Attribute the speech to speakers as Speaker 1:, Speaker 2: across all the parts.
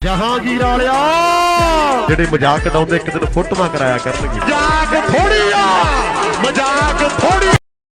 Speaker 1: ਜਹਾਂਗੀਰ ਵਾਲਿਆ ਜਿਹੜੇ ਮਜ਼ਾਕ ਉਡਾਉਂਦੇ ਇੱਕ ਦਿਨ ਫੋਟੋਆਂ ਕਰਾਇਆ ਕਰਨਗੇ। ਮਜ਼ਾਕ ਥੋੜੀ ਆ, ਮਜ਼ਾਕ ਥੋੜੀ।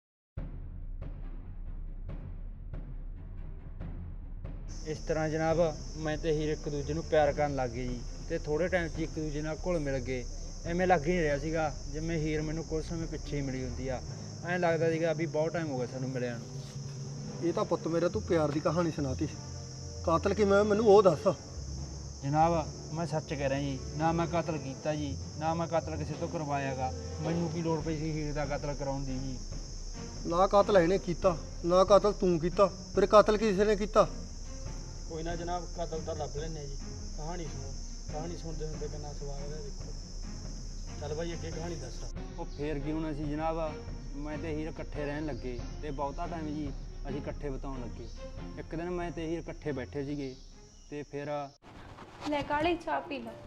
Speaker 2: ਇਸ ਤਰ੍ਹਾਂ ਜਨਾਬ ਮੈਂ ਤੇ ਹੀਰ ਇੱਕ ਦੂਜੇ ਨੂੰ ਪਿਆਰ ਕਰਨ ਲੱਗ ਗਏ ਜੀ ਤੇ ਥੋੜੇ ਟਾਈਮ 'ਚ ਇੱਕ ਦੂਜੇ ਨਾਲ ਘੁਲ ਮਿਲ ਗਏ। ਐਵੇਂ ਲੱਗ ਹੀ ਨਹੀਂ ਰਿਹਾ ਸੀਗਾ ਜਿਵੇਂ ਹੀਰ ਮੈਨੂੰ ਕੁਝ ਸਮੇਂ ਪਿੱਛੇ ਹੀ ਮਿਲੀ ਹੁੰਦੀ ਆ। ਐਂ ਲੱਗਦਾ ਸੀਗਾ ਵੀ ਬਹੁਤ ਟਾਈਮ ਹੋ ਗਿਆ ਸਾਨੂੰ ਮਿਲਿਆ ਨੂੰ।
Speaker 3: ਇਹ ਤਾਂ ਪੁੱਤ ਮੇਰਾ ਤੂੰ ਪਿਆਰ ਦੀ ਕਹਾਣੀ ਸੁਣਾਤੀ। ਕਾਤਲ ਕਿਵੇਂ ਮੈਨੂੰ ਉਹ ਦੱਸ।
Speaker 2: ਜਨਾਬ ਮੈਂ ਸੱਚ ਕਹਿ ਰਿਹਾ ਜੀ, ਨਾ ਮੈਂ ਕਤਲ ਕੀਤਾ ਜੀ, ਨਾ ਮੈਂ ਕਤਲ ਕਿਸੇ ਤੋਂ ਕਰਵਾਇਆਗਾ। ਮੈਨੂੰ ਕੀ ਲੋੜ ਪਈ ਸੀ ਹੀਰ ਦਾ ਕਤਲ ਕਰਾਉਣ ਦੀ ਜੀ।
Speaker 3: ਨਾ ਕਾਤਲ ਇਹਨੇ ਕੀਤਾ, ਨਾ ਕਾਤਲ ਤੂੰ ਕੀਤਾ, ਫਿਰ ਕਾਤਲ ਕਿਸੇ ਨੇ ਕੀਤਾ।
Speaker 2: ਕੋਈ ਨਾ ਜਨਾਬ, ਕਤਲ ਤਾਂ ਲੱਭ ਲੈਂਦੇ ਜੀ। ਕਹਾਣੀ ਸੁਣੋ, ਕਹਾਣੀ ਸੁਣਦੇ ਹੁੰਦੇ ਕਿੰਨਾ ਸਵਾਦ ਹੈ ਦੇਖੋ। ਚੱਲ ਭਾਈ ਅੱਗੇ ਕਹਾਣੀ ਦੱਸ। ਉਹ ਫੇਰ ਕੀ ਹੋਣਾ ਸੀ ਜਨਾਬ, ਮੈਂ ਤੇ ਹੀਰ ਇਕੱਠੇ ਰਹਿਣ ਲੱਗੇ ਤੇ ਬਹੁਤਾ ਟਾਈਮ ਜੀ ਅਸੀਂ ਇਕੱਠੇ ਬਿਤਾਉਣ ਲੱਗੇ। ਇੱਕ ਦਿਨ ਮੈਂ ਤੇ ਹੀਰ ਇਕੱਠੇ ਬੈਠੇ ਸੀਗੇ ਤੇ ਫਿਰ
Speaker 4: ਲੈ ਕਾਲੀ ਚਾਹ ਪੀ ਲੈ।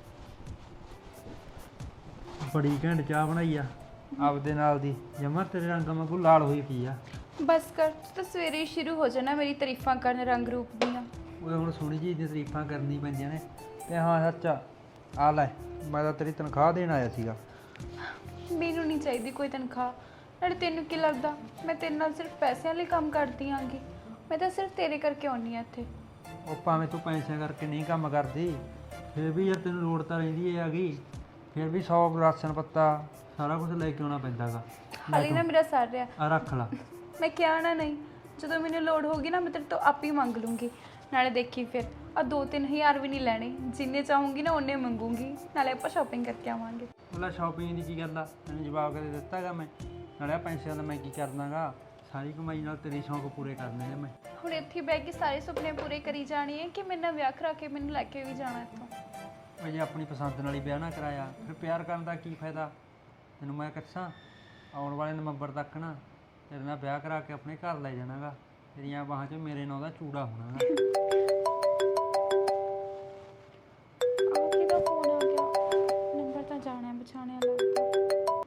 Speaker 2: ਬੜੀ ਘੈਂਟ ਚਾਹ ਬਣਾਈ ਆ ਆਪਦੇ ਨਾਲ ਦੀ, ਜਮਾ ਤੇਰੇ ਰੰਗ ਵਾਂਗੂ ਲਾਲ ਹੋਈ ਪਈ ਆ।
Speaker 4: ਬਸ ਕਰ, ਤੂੰ ਤਾਂ ਸਵੇਰੇ ਹੀ ਸ਼ੁਰੂ ਹੋ ਜਾਣਾ ਮੇਰੀ ਤਾਰੀਫਾਂ ਕਰਨ ਰੰਗ ਰੂਪ ਦੀਆਂ।
Speaker 2: ਉਹ ਹੁਣ ਸੋਹਣੀ ਜੀ ਦੀਆਂ ਤਾਰੀਫਾਂ ਕਰਨੀ ਪੈਂਦੀਆਂ ਨੇ। ਤੇ ਹਾਂ ਸੱਚ ਆ ਲੈ, ਮੈਂ ਤਾਂ ਤੇਰੀ ਤਨਖਾਹ ਦੇਣ ਆਇਆ ਸੀਗਾ।
Speaker 4: ਮੈਨੂੰ ਨਹੀਂ ਚਾਹੀਦੀ ਕੋਈ ਤਨਖਾਹ। ਨਾਲੇ ਤੈਨੂੰ ਕੀ ਲੱਗਦਾ ਮੈਂ ਤੇਰੇ ਨਾਲ ਸਿਰਫ ਪੈਸਿਆਂ ਲਈ ਕੰਮ ਕਰਦੀ ਆਂਗੀ? ਮੈਂ ਤਾਂ ਸਿਰਫ ਤੇਰੇ ਕਰਕੇ ਆਉਂਦੀ ਹਾਂ ਇੱਥੇ।
Speaker 2: ਉਹ ਭਾਵੇਂ ਤੂੰ ਪੈਸਿਆਂ ਕਰਕੇ ਨਹੀਂ ਕੰਮ ਕਰਦੀ, ਫਿਰ ਵੀ ਯਾਰ ਤੈਨੂੰ ਲੋੜ ਤਾਂ ਰਹਿੰਦੀ ਹੈਗੀ। ਫਿਰ ਵੀ 100 ਰਾਸ਼ਨ ਪੱਤਾ ਸਾਰਾ ਕੁਝ ਲੈ ਕੇ ਆਉਣਾ ਪੈਂਦਾ ਗਾ।
Speaker 4: ਹਾਲੇ ਨਾ ਮੇਰਾ ਸਰ ਰਿਹਾ
Speaker 2: ਆ ਰੱਖ ਲਾ।
Speaker 4: ਮੈਂ ਕਿਹਾ ਨਾ ਨਹੀਂ, ਜਦੋਂ ਮੈਨੂੰ ਲੋੜ ਹੋਗੀ ਨਾ ਮੈਂ ਤੇਰੇ ਤੋਂ ਆਪ ਹੀ ਮੰਗ ਲੂੰਗੀ। ਨਾਲੇ ਦੇਖੀ ਫਿਰ ਆ 2-3 ਹਜ਼ਾਰ ਵੀ ਨਹੀਂ ਲੈਣੇ, ਜਿੰਨੇ ਚਾਹੂੰਗੀ ਨਾ ਉਹਨੇ ਮੰਗੂੰਗੀ। ਨਾਲੇ ਆਪਾਂ ਸ਼ਾਪਿੰਗ ਕਰਕੇ ਆਵਾਂਗੇ।
Speaker 2: ਮਤਲਬ ਸ਼ਾਪਿੰਗ ਦੀ ਕੀ ਗੱਲ ਆ, ਤੈਨੂੰ ਜਵਾਬ ਕਦੇ ਦਿੱਤਾ ਗਾ ਮੈਂ? ਨਾਲੇ ਪੈਸਿਆਂ ਦਾ ਮੈਂ ਕੀ ਕਰਦਾਗਾ, ਸਾਰੀ ਕਮਾਈ ਨਾਲ ਤੇਰੇ ਸ਼ੌਂਕ ਪੂਰੇ ਕਰਨੇ ਨੇ ਮੈਂ।
Speaker 4: ਹੁਣ ਇੱਥੇ ਬਹਿ ਕੇ ਸਾਰੇ ਸੁਪਨੇ ਪੂਰੇ ਕਰੀ ਜਾਣੇ ਹੈ ਕਿ ਮੇਰੇ ਨਾਲ ਵਿਆਹ ਕਰਾ ਕੇ ਮੈਨੂੰ ਲੈ ਕੇ ਵੀ ਜਾਣਾ ਇੱਥੋਂ?
Speaker 2: ਮੈਂ ਜੇ ਆਪਣੀ ਪਸੰਦ ਨਾਲ ਹੀ ਵਿਆਹ ਨਾ ਕਰਾਇਆ ਫਿਰ ਪਿਆਰ ਕਰਨ ਦਾ ਕੀ ਫਾਇਦਾ? ਤੈਨੂੰ ਮੈਂ ਕੱਛਾਂ ਆਉਣ ਵਾਲੇ ਨਵੰਬਰ ਤੱਕ ਨਾ ਤੇਰੇ ਨਾਲ ਵਿਆਹ ਕਰਾ ਕੇ ਆਪਣੇ ਘਰ ਲੈ ਜਾਣਾਗਾ। ਤੇਰੀਆਂ ਬਾਹਾਂ 'ਚ ਮੇਰੇ ਨਾਂ ਦਾ ਚੂੜਾ ਹੋਣਾ ਗਾ।
Speaker 4: ਆ ਕਿਹਦਾ ਫੋਨ ਆ ਗਿਆ? ਨੰਬਰ ਤਾਂ ਜਾਣਿਆ ਪਛਾਣਿਆ ਲੱਗਦਾ।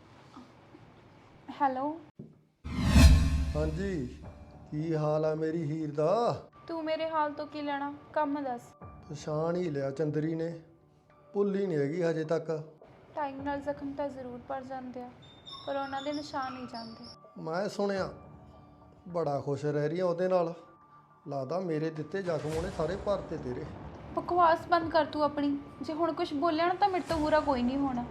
Speaker 4: ਹੈਲੋ,
Speaker 3: ਹਾਂਜੀ, ਕੀ ਹਾਲ ਆ ਮੇਰੀ ਹੀਰ ਦਾ?
Speaker 4: ਤੂੰ ਮੇਰੇ ਹਾਲ ਤੋਂ ਕੀ ਲੈਣਾ? ਕੰਮ ਦੱਸ।
Speaker 3: ਪਛਾਣ ਹੀ ਲਿਆ ਚੰਦਰੀ ਨੇ, ਭੁੱਲ ਹੀ ਨਹੀਂ ਹੈਗੀ ਹਜੇ ਤੱਕ।
Speaker 4: ਟਾਈਮ ਨਾਲ ਜ਼ਖਮ ਤਾਂ ਜ਼ਰੂਰ ਭਰ ਜਾਂਦੇ ਆ, ਪਰ ਉਹਨਾਂ ਦੇ ਨਿਸ਼ਾਨ ਨਹੀਂ ਜਾਂਦੇ।
Speaker 3: ਮੈਂ ਸੁਣਿਆ ਬੜਾ ਖੁਸ਼ ਰਹਿ ਰਹੀ ਆ ਉਹਦੇ ਨਾਲ। ਲੱਗਦਾ ਮੇਰੇ ਦਿੱਤੇ ਜ਼ਖਮ ਉਹਨੇ ਸਾਰੇ ਭਰਤੇ ਤੇਰੇ।
Speaker 4: ਬਕਵਾਸ ਬੰਦ ਕਰ ਤੂੰ ਆਪਣੀ। ਜੇ ਹੁਣ ਕੁਝ ਬੋਲਿਆ ਨਾ ਤਾਂ ਮੇਰੇ ਤੋਂ ਬੁਰਾ ਕੋਈ ਨਹੀਂ ਹੋਣਾ।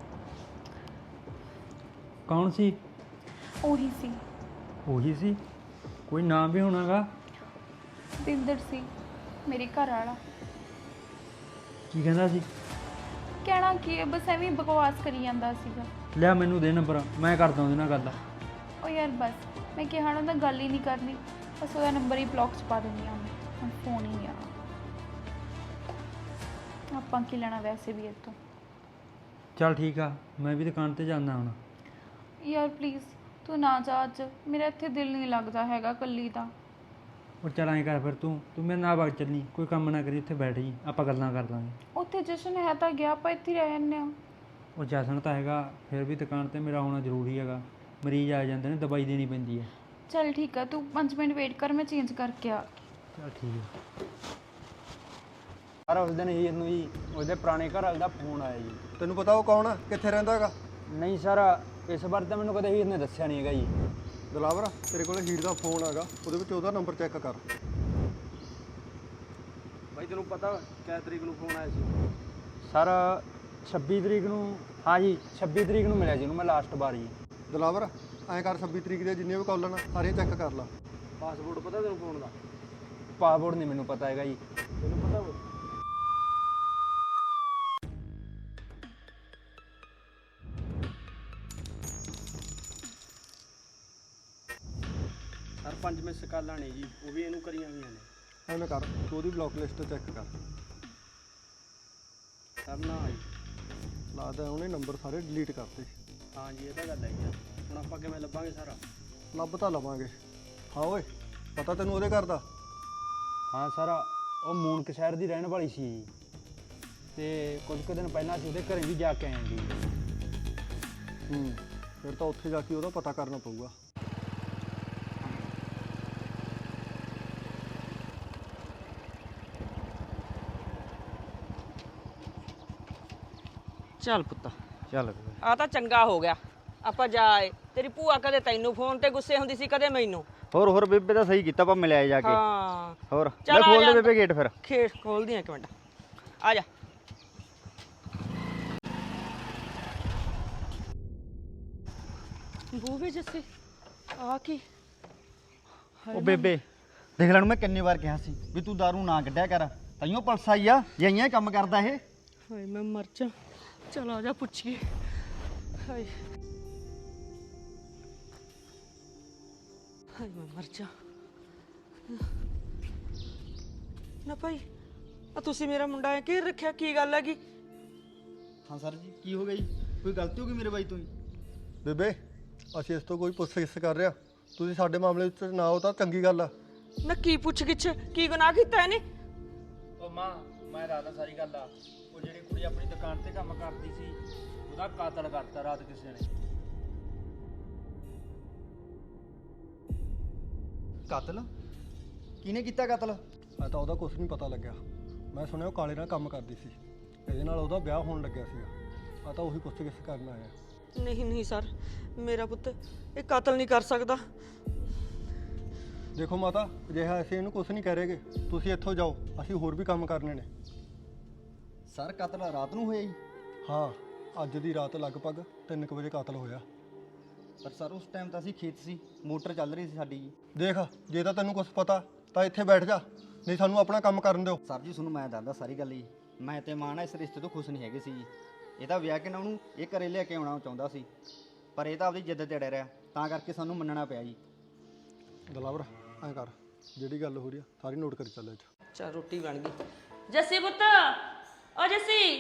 Speaker 2: ਕੌਣ ਸੀ?
Speaker 4: ਉਹੀ ਸੀ,
Speaker 2: ਉਹੀ ਸੀ? ਕੋਈ ਨਾਮ ਵੀ ਹੋਣਾਗਾ?
Speaker 4: ਬਿੰਦਰ ਸੀ, ਮੇਰੇ ਘਰ ਵਾਲਾ।
Speaker 2: ਕੀ ਕਹਿੰਦਾ ਸੀ?
Speaker 4: ਕਹਿਣਾ ਕੀ ਹੈ, ਬਸ ਐਵੇਂ ਹੀ ਬਕਵਾਸ ਕਰੀ ਜਾਂਦਾ ਸੀਗਾ।
Speaker 2: ਲਿਆ ਮੈਨੂੰ ਦੇ ਨੰਬਰ, ਮੈਂ ਕਰਦਾ ਉਹਦੇ ਨਾਲ ਗੱਲ।
Speaker 4: ਉਹ ਯਾਰ ਬਸ, ਮੈਂ ਕਿਹਾ ਨਾ ਤਾਂ ਗੱਲ ਹੀ ਨਹੀਂ ਕਰਨੀ, ਬਸ ਉਹਦਾ ਨੰਬਰ ਹੀ ਬਲੌਕ 'ਚ ਪਾ ਦਿੰਦੀ ਹਾਂ ਮੈਂ। ਹੁਣ ਫੋਨ ਹੀ ਨਹੀਂ ਆਉਣਾ। ਆਪਾਂ ਕੀ ਲੈਣਾ ਵੈਸੇ ਵੀ ਇਹ ਤੋਂ।
Speaker 2: ਚੱਲ ਠੀਕ ਆ, ਮੈਂ ਵੀ ਦੁਕਾਨ ਤੇ ਜਾਂਦਾ ਹੁਣ।
Speaker 4: ਯਾਰ ਪਲੀਜ਼ ਤੂੰ ਨਾ ਜਾ ਅੱਜ, ਮੇਰਾ ਇੱਥੇ ਦਿਲ ਨਹੀਂ ਲੱਗਦਾ ਹੈਗਾ ਇਕੱਲੀ ਦਾ।
Speaker 2: ਉਹ ਚੱਲ ਐਂ ਕਰ ਫਿਰ ਤੂੰ ਮੇਰੇ ਨਾਲ ਵਗ ਚੱਲੀ, ਕੋਈ ਕੰਮ ਨਾ ਕਰੀ, ਇੱਥੇ ਬੈਠ ਜੀ, ਆਪਾਂ ਗੱਲਾਂ ਕਰ ਲਾਂਗੇ।
Speaker 4: ਉੱਥੇ ਜਸ਼ਨ ਹੈ ਤਾਂ ਗਿਆ, ਆਪਾਂ ਇੱਥੇ ਰਹਿ ਜਾਂਦੇ ਹਾਂ।
Speaker 2: ਉਹ ਜਸ਼ਨ ਤਾਂ ਹੈਗਾ, ਫਿਰ ਵੀ ਦੁਕਾਨ ਤੇ ਮੇਰਾ ਆਉਣਾ ਜ਼ਰੂਰੀ ਹੈਗਾ। ਮਰੀਜ਼ ਆ ਜਾਂਦੇ ਨੇ, ਦਵਾਈ ਦੇਣੀ ਪੈਂਦੀ ਹੈ।
Speaker 4: ਚੱਲ ਠੀਕ ਆ, ਤੂੰ 5 ਮਿੰਟ ਵੇਟ ਕਰ, ਮੈਂ ਚੇਂਜ ਕਰਕੇ ਆ।
Speaker 2: ਚੱਲ ਠੀਕ ਹੈ। ਪਰ ਉਸ ਦਿਨ ਹੀਰ ਨੂੰ ਜੀ ਉਹਦੇ ਪੁਰਾਣੇ ਘਰ ਵਾਲੇ ਦਾ ਫੋਨ ਆਇਆ ਜੀ।
Speaker 3: ਤੈਨੂੰ ਪਤਾ ਉਹ ਕੌਣ ਆ, ਕਿੱਥੇ ਰਹਿੰਦਾ ਹੈਗਾ?
Speaker 2: ਨਹੀਂ ਸਰ, ਇਸ ਬਾਰੇ ਤਾਂ ਮੈਨੂੰ ਕਦੇ ਹੀਰ ਨੇ ਦੱਸਿਆ ਨਹੀਂ ਹੈਗਾ ਜੀ।
Speaker 3: ਦਲਾਵਰ, ਤੇਰੇ ਕੋਲ ਹੀਰ ਦਾ ਫੋਨ ਆਗਾ, ਉਹਦੇ ਵਿੱਚ ਉਹਦਾ ਨੰਬਰ ਚੈੱਕ ਕਰ।
Speaker 2: ਬਾਈ ਤੈਨੂੰ ਪਤਾ ਕਿੰਨੀ ਤਰੀਕ ਨੂੰ ਫੋਨ ਆਇਆ ਸੀ? ਸਰ 26 ਤਰੀਕ ਨੂੰ। ਹਾਂ ਜੀ 26 ਤਰੀਕ ਨੂੰ ਮਿਲਿਆ ਜੀ ਉਹਨੂੰ ਮੈਂ ਲਾਸਟ ਵਾਰ ਜੀ।
Speaker 3: ਦਲਾਵਰ, ਐਂ ਕਰ 26 ਤਰੀਕ ਦੇ ਜਿੰਨੇ ਵੀ ਕਾਲਾਂ ਨਾ ਸਾਰੀਆਂ ਚੈੱਕ ਕਰ ਲਾ।
Speaker 2: ਪਾਸਪੋਰਟ ਪਤਾ ਤੈਨੂੰ ਫੋਨ ਦਾ? ਪਾਸਪੋਰਟ ਨਹੀਂ ਮੈਨੂੰ ਪਤਾ ਹੈਗਾ ਜੀ। ਤੈਨੂੰ ਪਤਾ ਹੋਵੇ? ਸਰ 5 ਮਿਸ ਕਾਲਾਂ ਨੇ ਜੀ, ਉਹ ਵੀ ਇਹਨੂੰ ਕਰੀਆਂ ਹੋਈਆਂ ਨੇ।
Speaker 3: ਐਵੇਂ ਕਰ, ਤੂੰ ਉਹਦੀ ਬਲੌਕ ਲਿਸਟ ਚੈੱਕ ਕਰ।
Speaker 2: ਸਰ ਨਾ ਜੀ,
Speaker 3: ਲੱਗਦਾ ਉਹਨੇ ਨੰਬਰ ਸਾਰੇ ਡਿਲੀਟ ਕਰਤੇ।
Speaker 2: ਹਾਂ ਜੀ ਇਹ ਤਾਂ ਗੱਲ ਹੈ ਜੀ। ਹੁਣ ਆਪਾਂ ਕਿਵੇਂ ਲੱਭਾਂਗੇ ਸਾਰਾ?
Speaker 3: ਲੱਭ ਤਾਂ ਲਵਾਂਗੇ। ਹਾਂ ਓਏ, ਪਤਾ ਤੈਨੂੰ ਉਹਦੇ ਘਰ ਦਾ?
Speaker 2: ਹਾਂ ਸਰ, ਉਹ ਮੂਨਕ ਸ਼ਹਿਰ ਦੀ ਰਹਿਣ ਵਾਲੀ ਸੀ ਜੀ, ਤੇ ਕੁਝ ਕੁ ਦਿਨ ਪਹਿਲਾਂ ਅਸੀਂ ਉਹਦੇ ਘਰੇ ਵੀ ਜਾ ਕੇ ਆਏ ਜੀ।
Speaker 3: ਫਿਰ ਤਾਂ ਉੱਥੇ ਜਾ ਕੇ ਉਹਦਾ ਪਤਾ ਕਰਨਾ ਪਊਗਾ।
Speaker 5: ਚੱਲ ਪੁੱਤ
Speaker 2: ਚੱਲ
Speaker 5: ਆ ਤਾਂ ਚੰਗਾ ਹੋ ਗਿਆ ਆਪਾਂ ਜਾ ਆਏ। ਤੇਰੀ ਭੂਆ ਕਦੇ ਤੈਨੂੰ ਫੋਨ ਤੇ ਗੁੱਸੇ ਹੁੰਦੀ ਸੀ ਕਦੇ ਮੈਨੂੰ।
Speaker 2: ਹੋਰ ਬੇਬੇ ਤਾਂ ਸਹੀ ਕੀਤਾ ਆਪਾਂ ਮਿਲਿਆ ਜਾ ਕੇ।
Speaker 5: ਹਾਂ
Speaker 2: ਹੋਰ
Speaker 5: ਚੱਲ
Speaker 2: ਲੈ
Speaker 5: ਆ
Speaker 2: ਖੋਲ
Speaker 5: ਜਾ।
Speaker 2: ਦੇ ਬੇਬੇ ਗੇਟ ਫਿਰ।
Speaker 5: ਖੇਡ ਖੋਲਦੀ ਆ ਇੱਕ ਮਿੰਟ ਆ ਜਾ। ਬੂਵੇ ਜੱਸੇ ਆ ਕੀ
Speaker 2: ਉਹ ਬੇਬੇ ਦੇਖ ਲੈਣ ਮੈਂ ਕਿੰਨੀ ਵਾਰ ਕਿਹਾ ਸੀ ਵੀ ਤੂੰ ਦਾਰੂ ਨਾ ਕੱਢਿਆ ਕਰ, ਤਾਈਓ ਪਲਸ ਆਈ ਆ ਜੇ ਆਈਆਂ ਕੰਮ ਕਰਦਾ ਇਹ।
Speaker 5: ਹਾਏ ਮੈਂ ਮਰ ਜਾ। ਚਲ ਆ ਜਾ ਪੁੱਛੀਏ। ਹਾਏ ਹਾਏ ਮੈਂ ਮਰ ਜਾ। ਨਾ ਭਾਈ ਆ ਤੁਸੀਂ ਮੇਰਾ ਮੁੰਡਾ ਐ ਘੇਰ ਰੱਖਿਆ, ਕੀ ਗੱਲ ਹੈਗੀ?
Speaker 2: ਹਾਂ ਸਰ ਜੀ ਕੀ ਹੋ ਗਿਆ ਜੀ? ਕੋਈ ਗਲਤੀ ਹੋ ਗਈ ਮੇਰੇ ਬਾਈ ਤੋਂ ਜੀ?
Speaker 3: ਬੇਬੇ ਅਸੀਂ ਇਸ ਤੋਂ ਕੋਈ ਪੁੱਛ-ਗਿੱਛ ਕਰ ਰਿਹਾ, ਤੁਸੀਂ ਸਾਡੇ ਮਾਮਲੇ ਵਿੱਚ ਨਾ ਹੋ ਤਾਂ ਚੰਗੀ ਗੱਲ ਆ।
Speaker 5: ਨਾ ਕੀ ਪੁੱਛ ਗਿੱਛ, ਕੀ ਗੁਨਾਹ ਕੀਤਾ ਇਹਨੇ?
Speaker 2: ਉਹ ਮਾਂ ਮੈਂ ਰਾਤ ਸਾਰੀ ਗੱਲ ਆ, ਉਹ ਜਿਹੜੀ ਕੁੜੀ ਆਪਣੀ ਦੁਕਾਨ ਤੇ ਕੰਮ ਕਰਦੀ ਸੀ ਉਹਦਾ ਕਾਤਲ ਕਰਤਾ ਰਾਤ ਕਿਸੇ ਨੇ। ਕਤਲ? ਕਿਹਨੇ ਕੀਤਾ ਕਤਲ?
Speaker 3: ਮੈਂ ਤਾਂ ਉਹਦਾ ਕੁਝ ਨਹੀਂ ਪਤਾ ਲੱਗਿਆ। ਮੈਂ ਸੁਣਿਆ ਉਹ ਕਾਲੇ ਨਾਲ ਕੰਮ ਕਰਦੀ ਸੀ, ਇਹਦੇ ਨਾਲ ਉਹਦਾ ਵਿਆਹ ਹੋਣ ਲੱਗਿਆ ਸੀਗਾ। ਆ ਤਾਂ ਉਹੀ ਪੁੱਛ-ਗਿੱਛ ਕਰਨ ਆਇਆ।
Speaker 5: ਨਹੀਂ ਨਹੀਂ ਸਰ, ਮੇਰਾ ਪੁੱਤ ਇਹ ਕਤਲ ਨਹੀਂ ਕਰ ਸਕਦਾ।
Speaker 3: ਦੇਖੋ ਮਾਤਾ, ਅਜਿਹਾ ਅਸੀਂ ਇਹਨੂੰ ਕੁਝ ਨਹੀਂ ਕਹਿ ਰਹੇਗੇ, ਤੁਸੀਂ ਇੱਥੋਂ ਜਾਓ, ਅਸੀਂ ਹੋਰ ਵੀ ਕੰਮ ਕਰਨੇ ਨੇ।
Speaker 2: ਸਰ ਕਤਲ ਰਾਤ ਨੂੰ ਹੋਇਆ ਜੀ?
Speaker 3: ਹਾਂ, ਅੱਜ ਦੀ ਰਾਤ ਲਗਭਗ 3 ਵਜੇ ਕਤਲ ਹੋਇਆ।
Speaker 2: ਪਰ ਸਰ ਉਸ ਟਾਈਮ ਤਾਂ ਅਸੀਂ ਖੇਤ ਸੀ, ਮੋਟਰ ਚੱਲ ਰਹੀ ਸੀ ਸਾਡੀ ਜੀ।
Speaker 3: ਦੇਖ, ਜੇ ਤਾਂ ਤੈਨੂੰ ਕੁਝ ਪਤਾ ਤਾਂ ਇੱਥੇ ਬੈਠ ਜਾ, ਨਹੀਂ ਸਾਨੂੰ ਆਪਣਾ ਕੰਮ ਕਰਨ ਦਿਓ।
Speaker 2: ਸਰ ਜੀ ਤੁਹਾਨੂੰ ਮੈਂ ਦੱਸਦਾ ਸਾਰੀ ਗੱਲ ਜੀ। ਮੈਂ ਤੇ ਮਾਂ ਨਾ ਇਸ ਰਿਸ਼ਤੇ ਤੋਂ ਖੁਸ਼ ਨਹੀਂ ਹੈਗੇ ਸੀ ਜੀ। ਇਹਦਾ ਵਿਆਹ ਕੇ ਨਾ ਉਹਨੂੰ ਇਹ ਘਰੇ ਲੈ ਕੇ ਆਉਣਾ ਚਾਹੁੰਦਾ ਸੀ, ਪਰ ਇਹ ਤਾਂ ਆਪਦੀ ਜਿੱਦ ਤੇ ਅੜਿਆ ਰਿਹਾ, ਤਾਂ ਕਰਕੇ ਸਾਨੂੰ ਮੰਨਣਾ ਪਿਆ ਜੀ।
Speaker 3: ਦਲਾਵਰ ਐਂ ਕਰ, ਜਿਹੜੀ ਗੱਲ ਹੋ ਰਹੀ ਆ ਸਾਰੀ ਨੋਟ ਕਰੀ ਚੱਲ।
Speaker 5: ਚਲ ਰੋਟੀ ਬਣ ਗਈ। ਜੱਸੀ ਪੁੱਤ, ਓ ਜੱਸੀ।